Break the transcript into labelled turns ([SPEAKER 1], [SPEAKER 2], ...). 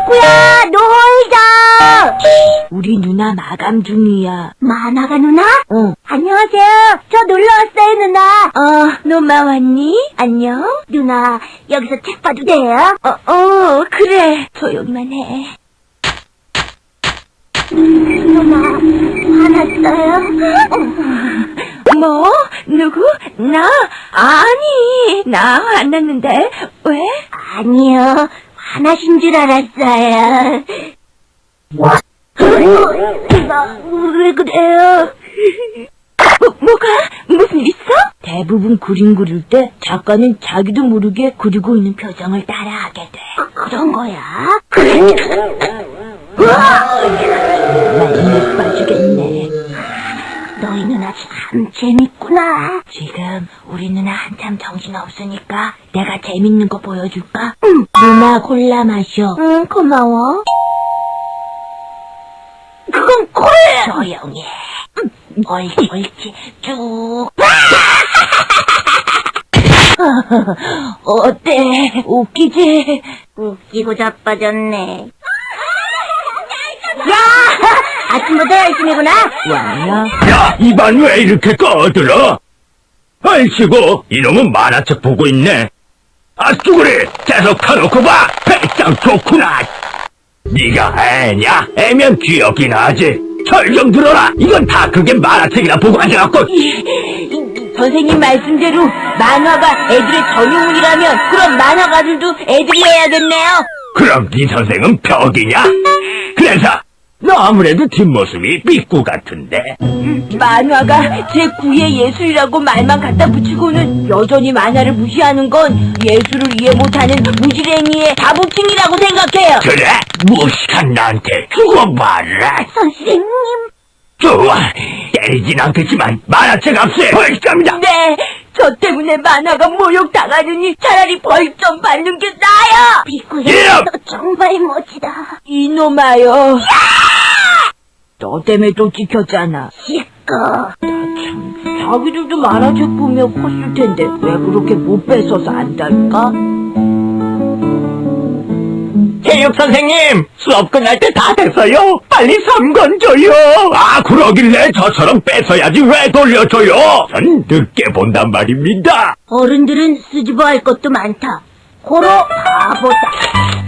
[SPEAKER 1] 비꾸야, 놀자!
[SPEAKER 2] 우리 누나 마감 중이야.
[SPEAKER 1] 만화가 누나?
[SPEAKER 2] 응.
[SPEAKER 1] 안녕하세요. 저 놀러 왔어요, 누나.
[SPEAKER 2] 노마 왔니? 안녕?
[SPEAKER 1] 누나, 여기서 책 봐도 돼요?
[SPEAKER 2] 그래. 조용히만 해.
[SPEAKER 1] 누나, 화났어요?
[SPEAKER 2] 뭐? 누구? 나? 아니, 나 화났는데. 왜?
[SPEAKER 1] 아니요, 화나신 줄 알았어요. 왜 그래요?
[SPEAKER 2] 뭐가? 무슨 일 있어? 대부분 그림 그릴 때 작가는 자기도 모르게 그리고 있는 표정을 따라하게 돼.
[SPEAKER 1] 그런 거야?
[SPEAKER 2] 정말 빠지겠네.
[SPEAKER 1] 너희 누나 참 재밌구나.
[SPEAKER 2] 지금 우리 누나 한참 정신없으니까 내가 재밌는 거 보여줄까? 누나 콜라 마셔.
[SPEAKER 1] 응, 고마워. 그건 콜라!
[SPEAKER 2] 조용히 해. 옳지. 쭉. 어때? 웃기지?
[SPEAKER 1] 웃기고 자빠졌네. 야! 아침부터 열심히구나.
[SPEAKER 2] 왔냐?
[SPEAKER 3] 야, 입안 왜 이렇게 꺼들어? 아이씨고, 이놈은 만화책 보고 있네. 아, 쭈구리, 계속 켜놓고 봐. 배짱 좋구나. 네가 애냐? 애면 귀엽긴 하지. 절 좀 들어라. 이건 다 그게 만화책이나 보고 앉아갖고.
[SPEAKER 2] 선생님 말씀대로 만화가 애들의 전유물이라면 그럼 만화가들도 애들이 해야겠네요.
[SPEAKER 3] 그럼 네 선생은 벽이냐? 그래서 너 아무래도 뒷모습이 삐꾸 같은데.
[SPEAKER 2] 만화가 제9의 예술이라고 말만 갖다 붙이고는 여전히 만화를 무시하는 건 예술을 이해 못하는 무지랭이의 자부심이라고 생각해요.
[SPEAKER 3] 그래? 무식한 나한테 죽어봐라.
[SPEAKER 1] 선생님.
[SPEAKER 3] 좋아. 때리진 않겠지만 만화책 앞에 벌점이다.
[SPEAKER 2] 네, 저 때문에 만화가 모욕당하느니 차라리 벌 좀 받는 게 나아요.
[SPEAKER 1] 비꾸야, 너 정말 멋지다.
[SPEAKER 2] 이놈아요. 너 때문에 또 찍혔잖아.
[SPEAKER 1] 시끄.
[SPEAKER 2] 자기들도 만화책 보며 컸을 텐데 왜 그렇게 못 뺏어서 안달까?
[SPEAKER 3] 체육 선생님, 수업 끝날 때 다 됐어요. 빨리 3권 줘요. 아, 그러길래 저처럼 뺏어야지 왜 돌려줘요? 전 늦게 본단 말입니다.
[SPEAKER 1] 어른들은 쓰집어 할 것도 많다. 고로 바보다.